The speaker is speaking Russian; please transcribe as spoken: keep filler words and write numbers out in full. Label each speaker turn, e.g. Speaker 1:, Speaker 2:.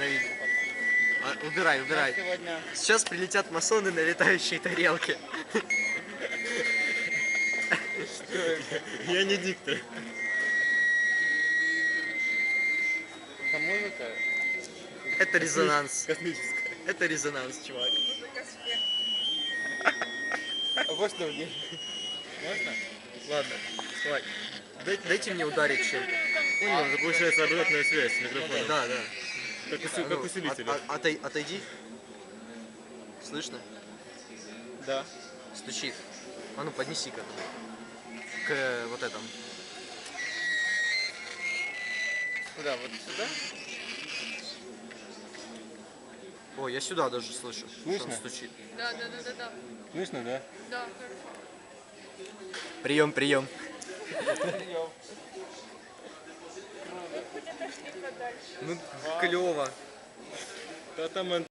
Speaker 1: на видео. А, убирай, убирай.
Speaker 2: Сегодня...
Speaker 1: Сейчас прилетят масоны на летающие тарелки.
Speaker 2: Я не диктор. Это музыка?
Speaker 1: Это резонанс.
Speaker 2: Космическая.
Speaker 1: Это резонанс, чувак.
Speaker 2: А вот что мне. Можно?
Speaker 1: Ладно, давай. Дайте, дайте мне ударить чем-то.
Speaker 2: Понял, это получается обратная связь с микрофоном.
Speaker 1: Да, да.
Speaker 2: Как, усил...
Speaker 1: А, ну,
Speaker 2: как усилитель.
Speaker 1: от- от- отой- отойди. Слышно?
Speaker 2: Да.
Speaker 1: Стучит. А ну поднеси-ка. К э, вот этому.
Speaker 2: Куда? Вот сюда?
Speaker 1: О, я сюда даже слышу.
Speaker 2: Слышно?
Speaker 1: Что он стучит.
Speaker 3: Да, да, да, да, да.
Speaker 2: Слышно, да?
Speaker 3: Да, хорошо.
Speaker 1: Прием, прием. Ну, клево.
Speaker 2: Да там